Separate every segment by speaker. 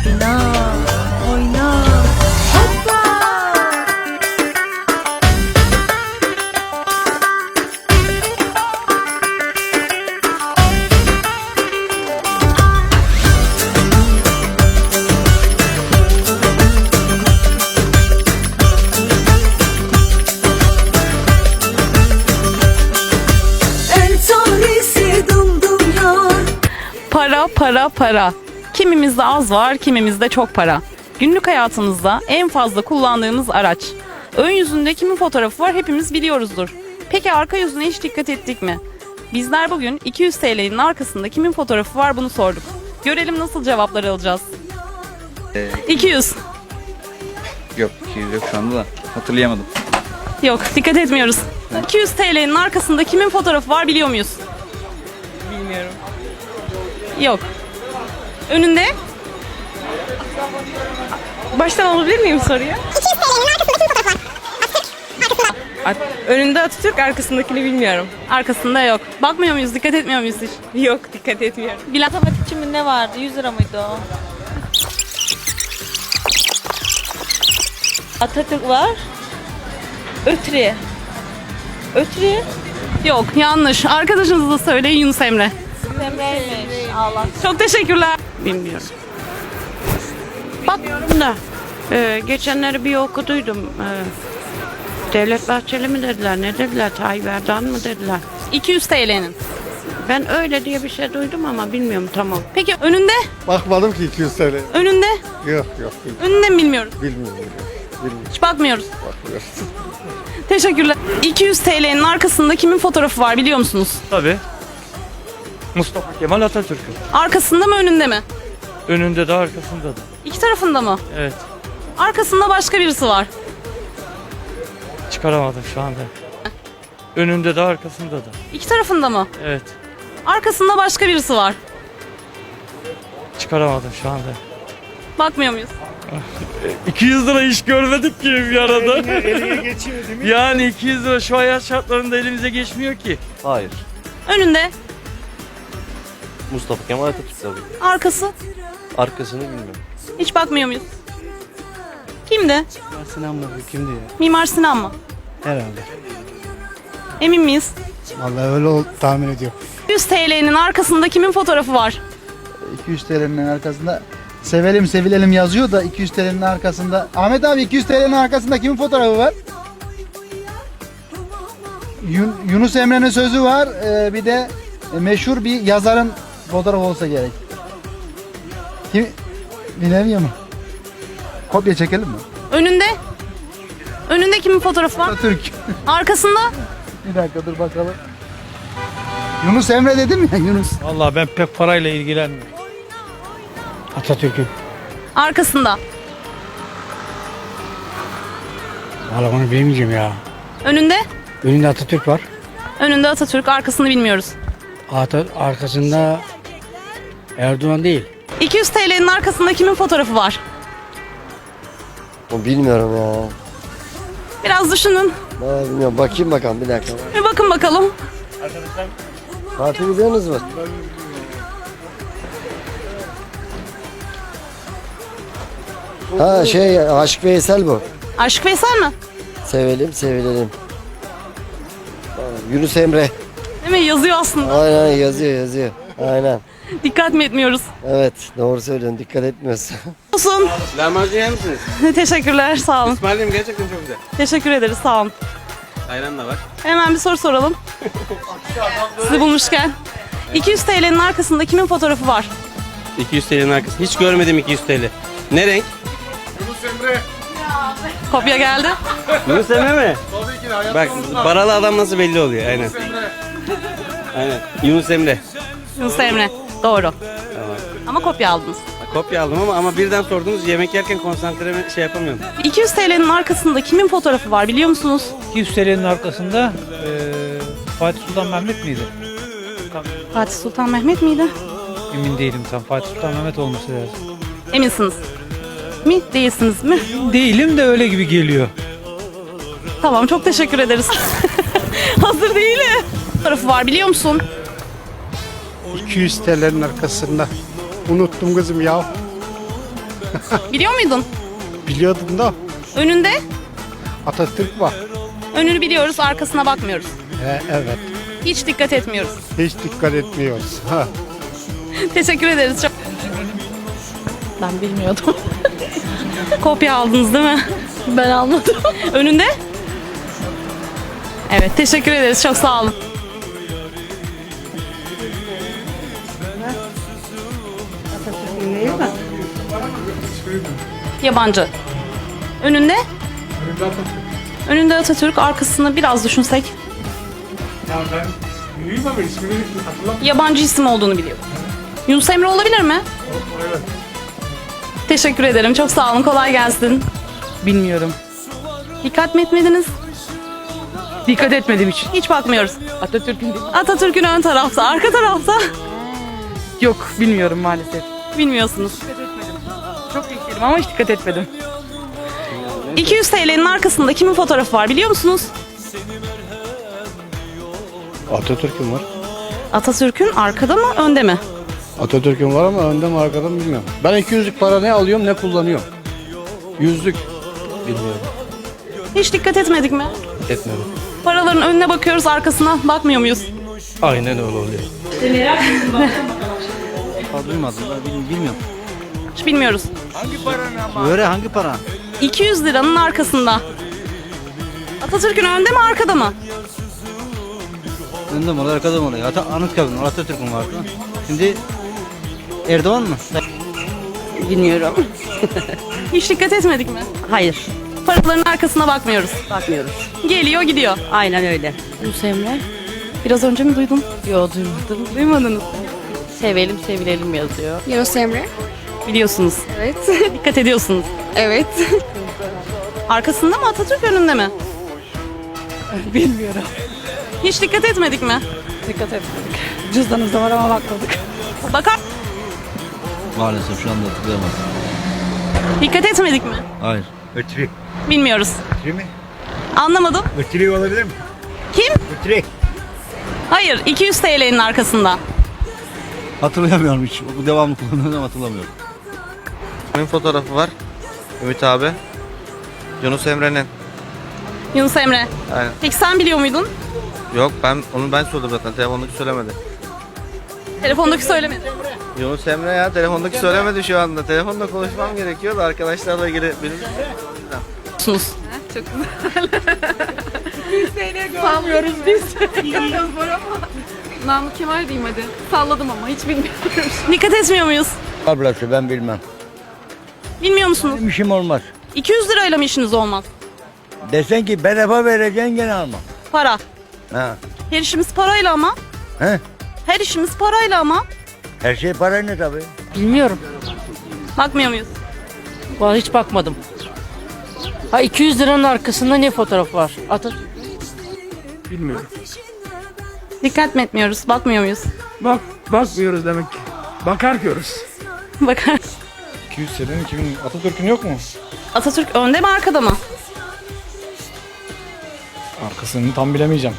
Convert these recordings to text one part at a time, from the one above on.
Speaker 1: oyna, oyna. Hoppa! En tanesi dum dum yar.
Speaker 2: Para, para, para. Kimimizde az var, kimimizde çok para. Günlük hayatımızda en fazla kullandığımız araç. Ön yüzünde kimin fotoğrafı var hepimiz biliyoruzdur. Peki arka yüzüne hiç dikkat ettik mi? Bizler bugün 200 TL'nin arkasında kimin fotoğrafı var bunu sorduk. Görelim nasıl cevaplar alacağız. 200.
Speaker 3: Yok 200 yok şu anda da hatırlayamadım.
Speaker 2: Yok, dikkat etmiyoruz. 200 TL'nin arkasında kimin fotoğrafı var biliyor muyuz?
Speaker 4: Bilmiyorum.
Speaker 2: Yok. Önünde?
Speaker 4: Baştan alabilir miyim soruyu? Önünde Atatürk, arkasındakini bilmiyorum.
Speaker 2: Arkasında yok. Bakmıyor muyuz? Dikkat etmiyor muyuz hiç?
Speaker 4: Yok, dikkat etmiyorum.
Speaker 2: Bilal.
Speaker 1: Matematikçi mi ne vardı? 100 lira mıydı o? Atatürk var. Ötri. Ötri.
Speaker 2: Yok, yanlış. Arkadaşınız da söyleyin Yunus Emre.
Speaker 1: Emre'ymiş. Allah.
Speaker 2: Çok teşekkürler.
Speaker 5: Bilmiyorum. Bakmıyorum da geçenleri bir okuduydum. Devlet Bahçeli mi dediler, ne dediler, Tayyip Erdoğan mı dediler.
Speaker 2: 200 TL'nin.
Speaker 5: Ben öyle diye bir şey duydum ama bilmiyorum tamam.
Speaker 2: Peki önünde?
Speaker 6: Bakmadım ki 200 TL.
Speaker 2: Önünde?
Speaker 6: Yok
Speaker 2: Önünde mi bilmiyoruz?
Speaker 6: bilmiyorum.
Speaker 2: Hiç bakmıyoruz.
Speaker 6: Bakmıyoruz.
Speaker 2: Teşekkürler. 200 TL'nin arkasında kimin fotoğrafı var biliyor musunuz?
Speaker 7: Tabii. Mustafa Kemal Atatürk'ün.
Speaker 2: Arkasında mı önünde mi?
Speaker 7: Önünde de arkasında da.
Speaker 2: İki tarafında mı?
Speaker 7: Evet.
Speaker 2: Arkasında başka birisi var.
Speaker 7: Çıkaramadım şu anda. Önünde de arkasında da.
Speaker 2: İki tarafında mı?
Speaker 7: Evet.
Speaker 2: Arkasında başka birisi var.
Speaker 7: Çıkaramadım şu anda.
Speaker 2: Bakmıyor muyuz?
Speaker 7: 200 lira hiç görmedik ki bir arada. Yani 200 lira şu hayat şartlarında elimize geçmiyor ki.
Speaker 8: Hayır.
Speaker 2: Önünde,
Speaker 8: Mustafa Kemal Atatürk tabii.
Speaker 2: arkası.
Speaker 8: Arkasını bilmiyorum.
Speaker 2: Hiç bakmıyor muyuz? Kimdi?
Speaker 9: Sinan mı? Kimdi ya?
Speaker 2: Mimar Sinan mı?
Speaker 9: Herhalde.
Speaker 2: Emin miyiz?
Speaker 9: Vallahi öyle tahmin ediyorum.
Speaker 2: 100 TL'nin arkasında kimin fotoğrafı var?
Speaker 10: 200 TL'nin arkasında sevelim sevilelim yazıyor da 200 TL'nin arkasında Ahmet abi 200 TL'nin arkasında kimin fotoğrafı var? Yunus Emre'nin sözü var. Bir de meşhur bir yazarın fotoğrafı olsa gerek. Kim? Bilemiyorum. Kopya çekelim mi?
Speaker 2: Önünde? Önünde kimin fotoğrafı var?
Speaker 10: Atatürk.
Speaker 2: Arkasında?
Speaker 10: Bir dakika dur bakalım. Yunus Emre dedim ya Yunus.
Speaker 9: Vallahi ben pek parayla ilgilenmiyorum. Atatürk'ün.
Speaker 2: Arkasında.
Speaker 9: Vallahi onu bilmeyeceğim ya.
Speaker 2: Önünde?
Speaker 9: Önünde Atatürk var.
Speaker 2: Önünde Atatürk, arkasını bilmiyoruz.
Speaker 9: Arkasında Erdoğan değil.
Speaker 2: 200 TL'nin arkasında kimin fotoğrafı var?
Speaker 8: O bilmiyorum ya.
Speaker 2: Biraz düşünün.
Speaker 8: Vallahi bilmiyorum. Bakayım bakalım bir dakika.
Speaker 2: Bir bakın bakalım.
Speaker 8: Fatih biliyorsunuz mu? Ha şey Aşık Veysel bu.
Speaker 2: Aşık Veysel mi?
Speaker 8: Sevelim sevilelim. Yunus Emre.
Speaker 2: Değil mi? Yazıyor aslında.
Speaker 8: Aynen yazıyor. Aynen.
Speaker 2: Dikkat mi etmiyoruz?
Speaker 8: Evet doğru söylüyorsun. Dikkat etmiyorsun.
Speaker 2: Olsun.
Speaker 11: Lahmacun yer misiniz?
Speaker 2: Teşekkürler, sağ olun.
Speaker 11: İsmail'im gerçekten çok güzel.
Speaker 2: Teşekkür ederiz, sağ olun.
Speaker 11: Ayran da var.
Speaker 2: Hemen bir soru soralım. Sizi bulmuşken. 200 TL'nin arkasında kimin fotoğrafı var?
Speaker 11: 200 TL'nin arkası. Hiç görmedim 200 TL. Ne renk?
Speaker 2: Kopya geldi.
Speaker 11: Yunus Emre mi? Bak paralı adam nasıl belli oluyor aynen. Aynen. Yunus Emre.
Speaker 2: Yunus Emre. Doğru. Ama kopya aldınız.
Speaker 11: Kopya aldım ama birden sordunuz yemek yerken konsantre şey yapamıyorum.
Speaker 2: 200 TL'nin arkasında kimin fotoğrafı var biliyor musunuz?
Speaker 9: 200 TL'nin arkasında Fatih Sultan Mehmet miydi?
Speaker 2: Fatih Sultan Mehmet miydi?
Speaker 9: Emin değilim tam. Fatih Sultan Mehmet olması lazım.
Speaker 2: Eminsiniz. Mi? Değilsiniz mi?
Speaker 9: Değilim de öyle gibi geliyor.
Speaker 2: Tamam, çok teşekkür ederiz. Hazır değilim. Fotoğrafı var biliyor musun?
Speaker 9: 200 TL'nin arkasında. Unuttum kızım ya.
Speaker 2: Biliyor muydun?
Speaker 10: Biliyordum da
Speaker 2: Önünde?
Speaker 10: Atatürk var.
Speaker 2: Önünü biliyoruz, arkasına bakmıyoruz.
Speaker 10: Evet.
Speaker 2: Hiç dikkat etmiyoruz.
Speaker 10: Hiç dikkat etmiyoruz. Ha.
Speaker 2: Teşekkür ederiz çok.
Speaker 4: Ben bilmiyordum.
Speaker 2: Kopya aldınız değil mi?
Speaker 4: Ben almadım.
Speaker 2: Önünde? Evet, teşekkür ederiz. Çok sağ olun. Yabancı. Önünde? Önünde Atatürk, arkasını biraz düşünsek. Yabancı isim olduğunu biliyorum. Yunus Emre olabilir mi? Teşekkür ederim. Çok sağ olun. Kolay gelsin.
Speaker 4: Bilmiyorum.
Speaker 2: Dikkat mi etmediniz?
Speaker 4: Dikkat etmedim hiç.
Speaker 2: Hiç bakmıyoruz.
Speaker 4: Atatürk'ün
Speaker 2: Atatürk'ün ön tarafta, arka tarafta.
Speaker 4: Yok bilmiyorum maalesef.
Speaker 2: Bilmiyorsunuz.
Speaker 4: Çok bekledim ama hiç dikkat etmedim.
Speaker 2: 200 TL'nin arkasında kimin fotoğrafı var biliyor musunuz?
Speaker 10: Atatürk'ün var.
Speaker 2: Atatürk'ün arkada mı, önde mi?
Speaker 10: Atatürk'ün var ama önde mi arkada mı bilmiyorum. Ben 200'lük para ne alıyorum ne kullanıyorum. 100'lük bilmiyorum.
Speaker 2: Hiç dikkat etmedik mi?
Speaker 10: Etmedim.
Speaker 2: Paraların önüne bakıyoruz, arkasına bakmıyor muyuz?
Speaker 10: Aynen öyle oluyor.
Speaker 3: Duymadım ben bilmiyorum.
Speaker 2: Hiç bilmiyoruz.
Speaker 3: Böyle hangi para?
Speaker 2: 200 liranın arkasında. Atatürk'ün önde mi, arkada mı?
Speaker 3: Önde mi oluyor arkada mı oluyor? Anıtkabir'in Atatürk'ün vardı. Şimdi Erdoğan mı?
Speaker 5: Bilmiyorum.
Speaker 2: Hiç dikkat etmedik mi?
Speaker 5: Hayır.
Speaker 2: Paraların arkasına bakmıyoruz.
Speaker 5: Bakmıyoruz.
Speaker 2: Geliyor gidiyor.
Speaker 5: Aynen öyle.
Speaker 2: Yunus Emre. Biraz önce mi duydun?
Speaker 5: Yo duymadım.
Speaker 2: Duymadınız.
Speaker 5: Sevelim sevilelim yazıyor.
Speaker 1: Yunus Emre.
Speaker 2: Biliyorsunuz.
Speaker 1: Evet.
Speaker 2: Dikkat ediyorsunuz.
Speaker 1: Evet.
Speaker 2: Arkasında mı, Atatürk önünde mi?
Speaker 4: Bilmiyorum.
Speaker 2: Hiç dikkat etmedik mi?
Speaker 4: Dikkat etmedik. Cüzdanımızda var ama bakmadık.
Speaker 2: Bakar.
Speaker 3: Maalesef şu anda hatırlayamadım.
Speaker 2: Dikkat etmedik mi?
Speaker 3: Hayır.
Speaker 10: Ötürük.
Speaker 2: Bilmiyoruz.
Speaker 10: mi?
Speaker 2: Anlamadım.
Speaker 10: Ötürük olabilir mi?
Speaker 2: Kim?
Speaker 10: Ötürük.
Speaker 2: Hayır, 200 TL'nin arkasında.
Speaker 3: Hatırlayamıyorum hiç. Bu devamlı kullanıyorum hatırlamıyorum.
Speaker 11: Kimin fotoğrafı var? Ümit abi. Yunus Emre'nin.
Speaker 2: Yunus Emre.
Speaker 11: Aynen.
Speaker 2: Peki sen biliyor muydun?
Speaker 11: Yok ben sordum zaten. Telefondaki söylemedi.
Speaker 2: Telefondaki söylemedi.
Speaker 11: Yunus Emre ya telefondaki söylemedi şu anda. Telefonda konuşmam gerekiyor da arkadaşlarla ilgili benim.
Speaker 2: Musunuz?
Speaker 4: Sanmıyoruz biz. Namık Kemal diyeyim hadi. Salladım ama hiç bilmiyorum.
Speaker 2: Dikkat etmiyor muyuz?
Speaker 8: Ablası ben bilmem.
Speaker 2: Bilmiyor musunuz?
Speaker 8: Benim işim olmaz.
Speaker 2: 200 lirayla mı işiniz olmaz?
Speaker 8: Desen ki bedava vereceksin gene alma.
Speaker 2: Para.
Speaker 8: Ha.
Speaker 2: Her işimiz parayla ama.
Speaker 8: He?
Speaker 2: Her işimiz parayla ama.
Speaker 8: Her şey parayla tabii.
Speaker 5: Bilmiyorum.
Speaker 2: Bakmıyor muyuz?
Speaker 5: Vallahi hiç bakmadım. Ha 200 liranın arkasında ne fotoğraf var? Atatürk.
Speaker 2: Dikkat mi etmiyoruz? Bakmıyor muyuz?
Speaker 10: Bakmıyoruz demek ki. Bakar diyoruz.
Speaker 2: Bakar.
Speaker 10: 200 senenin kimin? Atatürk'ün yok mu?
Speaker 2: Atatürk önde mi, arkada mı?
Speaker 10: Arkasını tam bilemeyeceğim.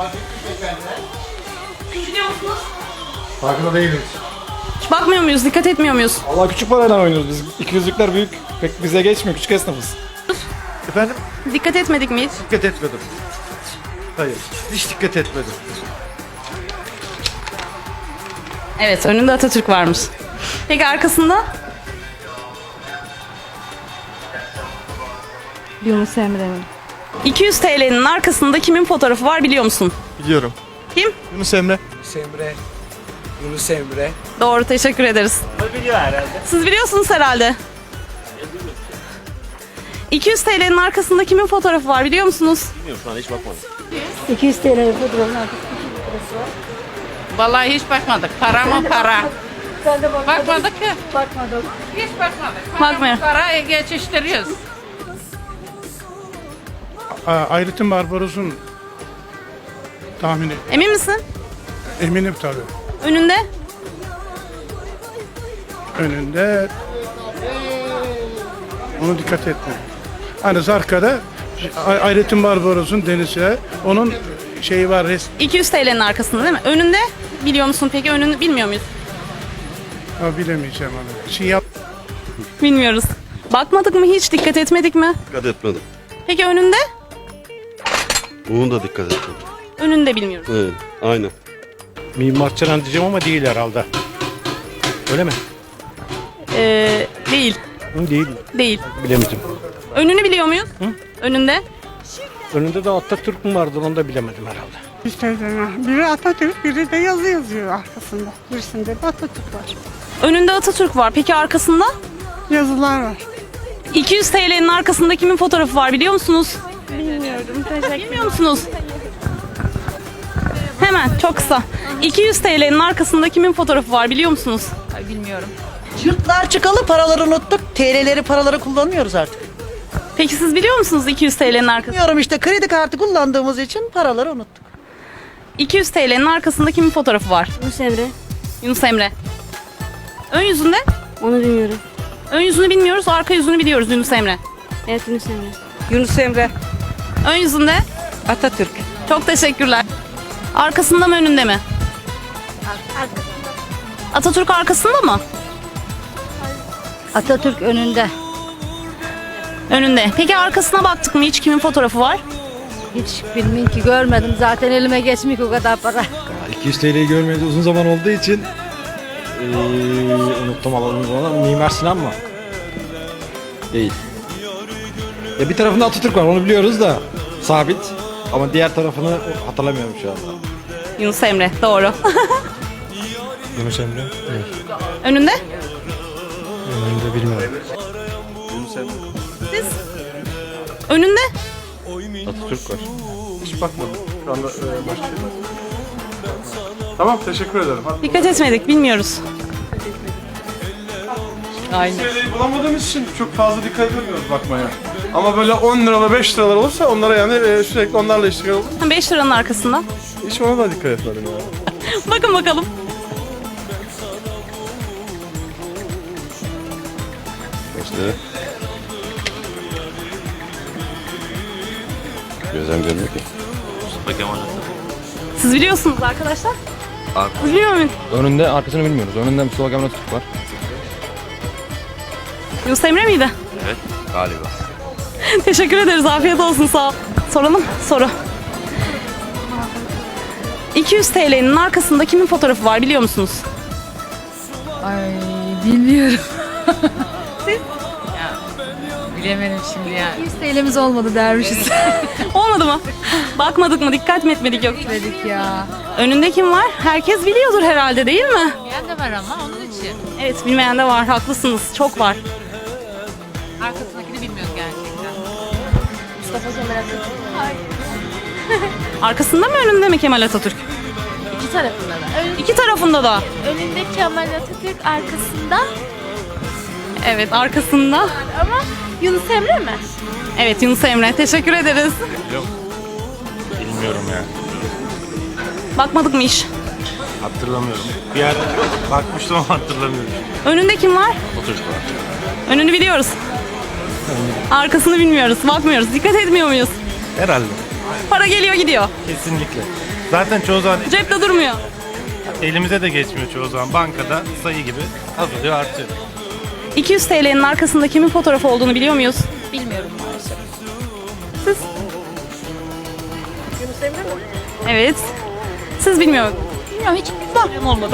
Speaker 10: Farkında değiliz.
Speaker 2: Hiç bakmıyor muyuz? Dikkat etmiyor muyuz?
Speaker 10: Allah küçük parayla oynuyoruz biz. 200'lükler büyük. Pek bize geçmiyor. Küçük esnafız. Efendim?
Speaker 2: Dikkat etmedik mi hiç?
Speaker 10: Dikkat etmedim. Hayır. Hiç dikkat etmedim.
Speaker 2: Evet, önünde Atatürk varmış. Peki arkasında? Yunus Emre mi? 200 TL'nin arkasında kimin fotoğrafı var biliyor musun?
Speaker 11: Biliyorum.
Speaker 2: Kim?
Speaker 11: Yunus Emre.
Speaker 10: Yunus Emre.
Speaker 2: Doğru, teşekkür ederiz. Siz biliyorsunuz herhalde. 200 TL'nin arkasında kimin fotoğrafı var biliyor musunuz?
Speaker 1: 200 TL fotoğrafı.
Speaker 5: Vallahi hiç bakmadık. Para mı para?
Speaker 1: Ben de
Speaker 5: Bakmadık ki.
Speaker 1: bakmadım.
Speaker 5: Hiç bakmadık.
Speaker 2: Bakmıyor.
Speaker 5: Para geçiştiriyoruz.
Speaker 10: Ayrıtın Barbaros'un tahmini.
Speaker 2: Emin misin?
Speaker 10: Eminim tabii.
Speaker 2: Önünde?
Speaker 10: Önünde onu dikkat etme. Hani arkada Ayrıtın Barbaros'un denize onun şeyi var
Speaker 2: 200 TL'nin arkasında değil mi? Önünde? Biliyor musun peki? Önünü bilmiyor muyuz?
Speaker 10: bilemeyeceğim onu. Şey yap.
Speaker 2: Bilmiyoruz. Bakmadık mı hiç? Dikkat etmedik mi?
Speaker 6: Dikkat etmedim.
Speaker 2: Peki önünde?
Speaker 6: Bunu da dikkat etmedim.
Speaker 2: Önünde bilmiyoruz.
Speaker 6: Evet, aynen.
Speaker 9: Mimar Sinan diyeceğim ama değil herhalde. Öyle mi?
Speaker 2: Değil.
Speaker 9: Değil.
Speaker 2: Değil.
Speaker 9: Bilemedim.
Speaker 2: Önünü biliyor muyuz? Önünde?
Speaker 9: Önünde de Atatürk mü vardı onu da bilemedim herhalde.
Speaker 4: Biri Atatürk, biri de yazı yazıyor arkasında. Birisinde de Atatürk var.
Speaker 2: Önünde Atatürk var. Peki arkasında?
Speaker 4: Yazılar var.
Speaker 2: 200 TL'nin arkasında kimin fotoğrafı var biliyor musunuz?
Speaker 4: Bilmiyorum, teşekkür
Speaker 2: Bilmiyor musunuz? Hemen çok kısa. 200 TL'nin arkasında kimin fotoğrafı var biliyor musunuz?
Speaker 1: Bilmiyorum. Yurtlar çıkalı paraları unuttuk. TL'leri paraları kullanmıyoruz artık.
Speaker 2: Peki siz biliyor musunuz 200 TL'nin arkasında?
Speaker 1: Bilmiyorum işte kredi kartı kullandığımız için paraları unuttuk.
Speaker 2: 200 TL'nin arkasında kimin fotoğrafı var?
Speaker 4: Yunus Emre.
Speaker 2: Yunus Emre. Ön yüzünde?
Speaker 4: Onu bilmiyorum.
Speaker 2: Ön yüzünü bilmiyoruz, arka yüzünü biliyoruz Yunus Emre.
Speaker 4: Evet, Yunus Emre.
Speaker 1: Yunus Emre.
Speaker 2: Ön yüzünde?
Speaker 1: Atatürk.
Speaker 2: Çok teşekkürler. Arkasında mı önünde mi? Atatürk arkasında mı?
Speaker 4: Atatürk önünde.
Speaker 2: Önünde. Peki arkasına baktık mı hiç kimin fotoğrafı var?
Speaker 4: Hiç bilmiyorum ki, görmedim. Zaten elime geçmiyor o kadar para.
Speaker 9: 200 TL'yi görmeyeli uzun zaman olduğu için unuttum alalım zaman. Mimar Sinan mı? Değil. Ya bir tarafında Atatürk var onu biliyoruz da sabit. Ama diğer tarafını hatırlamıyorum şu anda.
Speaker 2: Yunus Emre. Doğru.
Speaker 9: Yunus Emre?
Speaker 2: Önünde?
Speaker 9: Önünde bilmiyorum.
Speaker 2: Siz? Önünde?
Speaker 6: Atatürk var.
Speaker 12: Hiç bakmadım. Şu anda başka. Tamam, teşekkür ederim. Hadi.
Speaker 2: Dikkat etmedik, bilmiyoruz.
Speaker 12: Aynen. TL'yi bulamadığımız için çok fazla dikkat edemiyoruz bakmaya. Ama böyle 10 liralar 5 liralar olursa onlara yani sürekli onlarla iştigal olur.
Speaker 2: 5 liranın arkasında.
Speaker 12: Hiç ona da dikkat etmedim ya.
Speaker 2: Bakın bakalım.
Speaker 6: İşte. Gözlem görmüyor ki.
Speaker 2: Siz biliyorsunuz arkadaşlar. Biliyor muyum?
Speaker 9: Önünde arkasını bilmiyoruz. Önünde Mustafa Kemal Atatürk var.
Speaker 2: Yunus Emre miydi?
Speaker 6: Evet, galiba.
Speaker 2: Teşekkür ederiz. Afiyet olsun. Sağ ol. Soralım. Soru. 200 TL'nin arkasında kimin fotoğrafı var biliyor musunuz?
Speaker 4: Ay, bilmiyorum. Bilemedim şimdi ya. 100 TL'miz olmadı dermişiz.
Speaker 2: Olmadı mı? Bakmadık mı? Dikkat mi etmedik yok?
Speaker 4: Dedik ya.
Speaker 2: Önünde kim var? Herkes biliyordur herhalde değil mi?
Speaker 4: Bilmeyen de var ama onun için.
Speaker 2: Evet, bilmeyen de var. Haklısınız. Çok var.
Speaker 4: Arkasındakini bilmiyoruz gerçekten.
Speaker 2: Arkasında mı önünde mi Kemal Atatürk?
Speaker 4: İki tarafında da.
Speaker 2: İki tarafında da.
Speaker 4: Önünde Kemal Atatürk, arkasında
Speaker 2: Evet, arkasında.
Speaker 4: ama Yunus Emre mi?
Speaker 2: Evet, Yunus Emre. Teşekkür ederiz.
Speaker 12: Bilmiyorum ya.
Speaker 2: Bakmadık mı hiç?
Speaker 12: Hatırlamıyorum. Bir yerde bakmıştım ama hatırlamıyorum.
Speaker 2: Önünde kim var?
Speaker 6: Atatürk var.
Speaker 2: Önünü biliyoruz. Arkasını bilmiyoruz. Bakmıyoruz. Dikkat etmiyor muyuz?
Speaker 12: Herhalde.
Speaker 2: Para geliyor gidiyor.
Speaker 12: Kesinlikle. Zaten çoğu zaman
Speaker 2: Cepte durmuyor.
Speaker 12: elimize de geçmiyor çoğu zaman. Bankada sayı gibi azalıyor artıyor.
Speaker 2: 200 TL'nin arkasında kimin fotoğrafı olduğunu biliyor muyuz?
Speaker 4: Bilmiyorum maalesef.
Speaker 2: Siz?
Speaker 4: Yunus Emre mi?
Speaker 2: Evet. Siz bilmiyor musunuz?
Speaker 4: Bilmiyorum, hiç bilmem.
Speaker 2: Olmadı.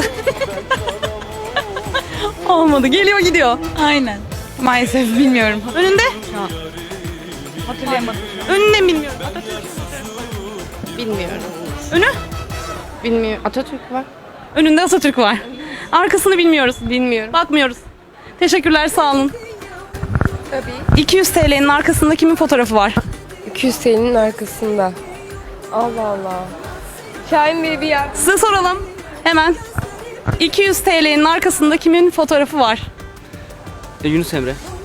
Speaker 2: Olmadı. Geliyor gidiyor.
Speaker 4: Aynen. Maalesef bilmiyorum.
Speaker 2: Önünde?
Speaker 4: Hatırlayamadım.
Speaker 2: Önünde mi bilmiyorum.
Speaker 4: Bilmiyorum.
Speaker 2: Önü?
Speaker 4: Bilmiyorum. Atatürk var.
Speaker 2: Önünde Atatürk var. Arkasını bilmiyoruz.
Speaker 4: Bilmiyorum.
Speaker 2: Bakmıyoruz. Teşekkürler, sağ olun.
Speaker 4: Tabii.
Speaker 2: 200 TL'nin arkasında kimin fotoğrafı var?
Speaker 4: 200 TL'nin arkasında. Allah Allah. Şahin Bey bir yer.
Speaker 2: Size soralım. Hemen. 200 TL'nin arkasında kimin fotoğrafı var?
Speaker 11: Yunus Emre.